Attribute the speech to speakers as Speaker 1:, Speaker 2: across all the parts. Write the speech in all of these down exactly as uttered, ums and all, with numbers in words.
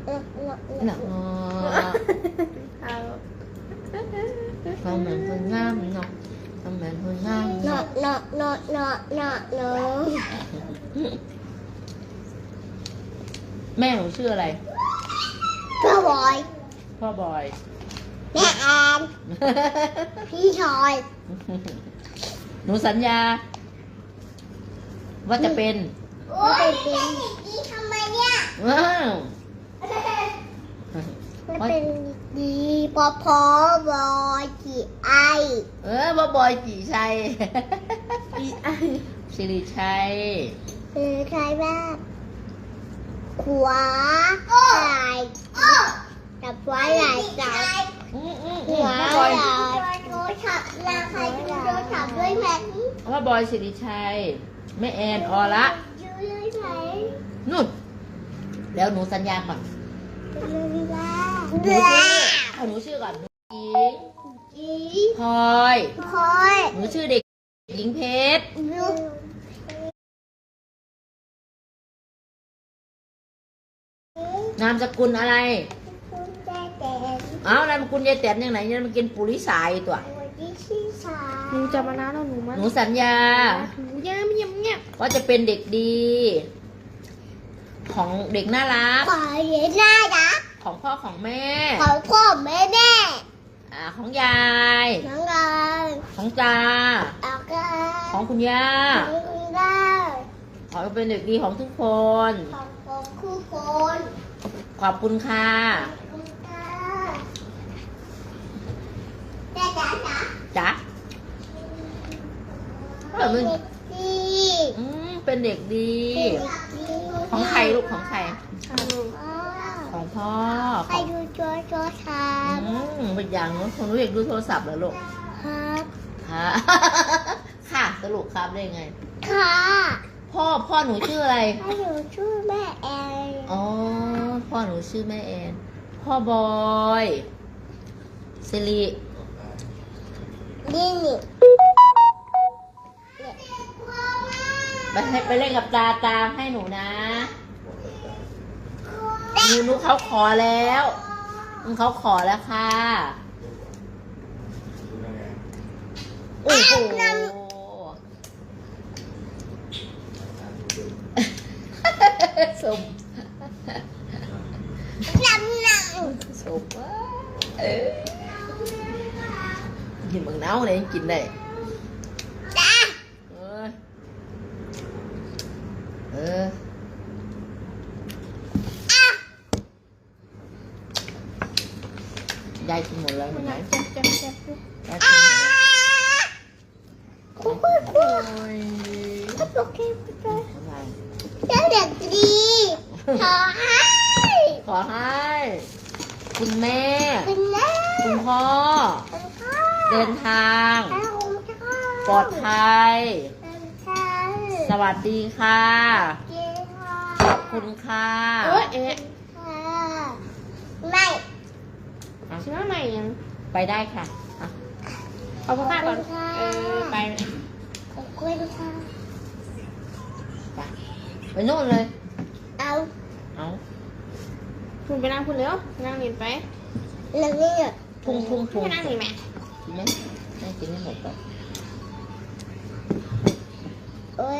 Speaker 1: หนักเนาะทำเหมือนคนงามเนาะทำเหมือนคนงาม
Speaker 2: เนาะ
Speaker 1: เนาะ
Speaker 2: เนาะเนาะเนาะเนาะเนาะ
Speaker 1: แม่หนูชื่ออะไร
Speaker 2: พ่อบอย
Speaker 1: พ่อบอย
Speaker 2: แม่แอนพี่ชอย
Speaker 1: หนูสัญญา ว่าจะเป็น
Speaker 2: ว่าเป็นเป็นดีทำไมเนี่ย
Speaker 1: ว้าว
Speaker 2: มันเป็นดีพอพอบอยกี่ไอ
Speaker 1: เออพ่อบอยกี่ชัยกี่ไอสิริชัย
Speaker 2: คือใครบ้างขวาไหล่จับไว้ไหล่จับ
Speaker 1: อืมอืม
Speaker 2: หั
Speaker 1: อื
Speaker 2: ว
Speaker 1: ม
Speaker 2: ไห
Speaker 1: พ่อบอย
Speaker 2: ล่โทรศัพท์ลาใครดูโทรศัพท์ด้วยไหม
Speaker 1: พ่อบอยสิริชัยแม่แอนออละ
Speaker 2: ดูด้วยไหม
Speaker 1: นู่นแล้วหนูสัญญาก่อน
Speaker 2: ดูได้
Speaker 1: หนู
Speaker 2: ดู
Speaker 1: ชื่อ
Speaker 2: ได้
Speaker 1: เอาหนูชื่อก่อนหนูหญิง
Speaker 2: จี
Speaker 1: พลอย
Speaker 2: พอย
Speaker 1: หนูชื่อเด็กหญิงเพชร
Speaker 2: ดู
Speaker 1: นามสกุลอะไร
Speaker 2: คุณแม่แต่
Speaker 1: เอ้านามสกุลยายแตนยังไงเนี่ยมันกินปุริสายตัว
Speaker 2: วันที่ชื่อสา
Speaker 3: หนูจะมานานแล้วหนูมา
Speaker 1: หนูสัญญา
Speaker 3: หนูยังไม่ยังเนี่ย
Speaker 1: ว่าจะเป็นเด็กดี ของเด็กน่ารัก
Speaker 2: ขอเรียนหน้าดัก
Speaker 1: ของพ่อของแม่
Speaker 2: ของพ่อแม่แม่
Speaker 1: อ่าของยาย
Speaker 2: น้องกาย
Speaker 1: ของตา
Speaker 2: เอากา
Speaker 1: ของคุณย่า
Speaker 2: ของคุณได้
Speaker 1: ขอให้เป็นเด็กดีของทุกคน
Speaker 2: ของผมคู่คน
Speaker 1: ขอบคุณค่ะ
Speaker 2: คุณตาแต่จ๋าจ๋า
Speaker 1: จ๊ะเออมัน
Speaker 2: เด็กดี
Speaker 1: อืมเป็นเด็กดี ของใครลูกของใคร ของพ่อ
Speaker 2: ใค
Speaker 1: ข
Speaker 2: ร
Speaker 1: อง
Speaker 2: ดูโจโจทา
Speaker 1: อืมเป็นอย่างนู้นคนรู้อยากดูโทรศัพท์เหรอลูก
Speaker 2: ครับ
Speaker 1: ค่ะ ค่ะสรุปครับได้ไง
Speaker 2: ค่ะ
Speaker 1: พ่อพ่อหนูชื่ออะไร
Speaker 2: ให้หนูชื่อแม่แอน
Speaker 1: อ๋อ พ่อหนูชื่อแม่แอน พ่อบอยสิริ
Speaker 2: นี่นี่
Speaker 1: ไปให้ไปเล่นกับตาตาให้หนูนะหนูหนูเขาขอแล้วเขาขอแล้วค่ะโอ้โหสม
Speaker 2: ลำหนัง
Speaker 1: สมว่าเออกินบางน้าวเลยยังกินได้
Speaker 2: จ้า
Speaker 1: เออเออ ยายกินหมดแล้วเห็นไหม
Speaker 3: จับจับจับ
Speaker 1: ยายกินหมดแล้ว
Speaker 2: คู่คู่คู่
Speaker 1: โอ้ย
Speaker 2: โอเคโอเค
Speaker 1: ทำไม
Speaker 2: เจ้าเด็กดีขอให้
Speaker 1: ขอให้ คุณแม่
Speaker 2: คุณแม่
Speaker 1: คุณพ่อ
Speaker 2: คุณพ่อ
Speaker 1: เดินทาง
Speaker 2: คุณพ่อ
Speaker 1: ปลอดภัย
Speaker 2: เป็นใคร
Speaker 1: สวัสดีค่ะ
Speaker 2: เจ้าค่ะ
Speaker 1: ขอบคุณค่ะ
Speaker 3: เอ้ยเอ๊ะ
Speaker 2: ค่ะไม่
Speaker 3: ชื่อว่าใหม่ยัง
Speaker 1: ไปได้ค่ะอ่ะ
Speaker 3: เอาพ่อข้าก่อนเออไป
Speaker 2: ขอบคุณค่ะ
Speaker 1: ไปไปโน่นเลย
Speaker 2: เอา
Speaker 1: เอา
Speaker 3: คุณไปนั่งคุณเร็วนั่งเรียนไป
Speaker 2: เรื่องนี้อ่ะ
Speaker 1: พุ่งพุ่งพุ่ง
Speaker 3: ไปนั่งนี่แม่
Speaker 1: กินไหมให้กินให้หมดก่อน
Speaker 2: โอ้ย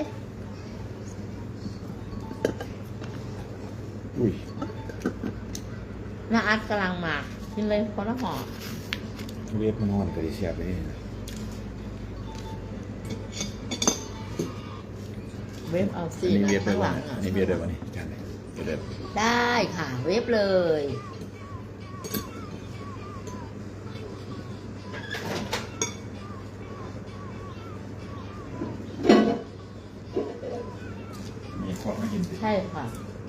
Speaker 4: อุ้ย
Speaker 1: น้าอาร์ตกำลังมากินเลยคนละห่อ
Speaker 4: เวียบมันนอนกับดิเชียบเลยนะ
Speaker 1: เวฟเอา
Speaker 4: อั
Speaker 1: ซี
Speaker 4: นนี้เวียบได้
Speaker 1: ข้างห
Speaker 4: วะ
Speaker 1: ลัง
Speaker 4: เนี่ย
Speaker 1: อ่ะ
Speaker 4: อันนี้เวียบได้วะนี่จานไหนเวียบได้
Speaker 1: ได้ค่ะ เวฟเลย
Speaker 4: มีขอมากินสิ
Speaker 1: ใช่ค่ะ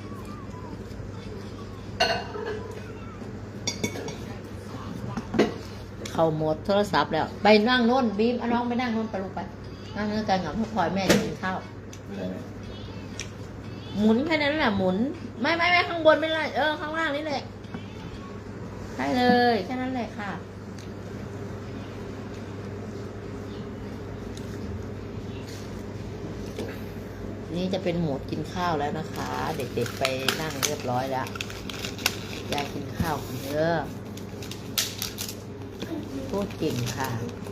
Speaker 1: เขาหมดโทรศัพท์แล้ว ไปนั่งโน่นบีมเอาน้องไปนั่งโน่นไปลูกไปนั่งเนื้อกันกับพ่อพลอยแม่จะกินข้าว
Speaker 4: ได้ไหม
Speaker 1: หมุนแค่นั้นแหละหมุน ไม่ไม่ไม่ข้างบนไม่ได้เออข้างล่างนี่แหละใช่เลยแค่นั้นแหละค่ะ นี่จะเป็นโหมดกินข้าวแล้วนะคะ เด็กๆไปนั่งเรียบร้อยแล้วยายกินข้าวกันเด้อพูดเก่งค่ะ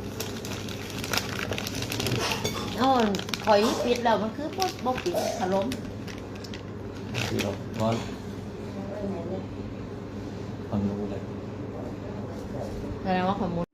Speaker 1: เอ้าคอยปิดแล้วมันคือบ่บ่ปิดขล้ม
Speaker 5: คือเราร้อนความรู้เลย
Speaker 1: แสดงว่าขมุน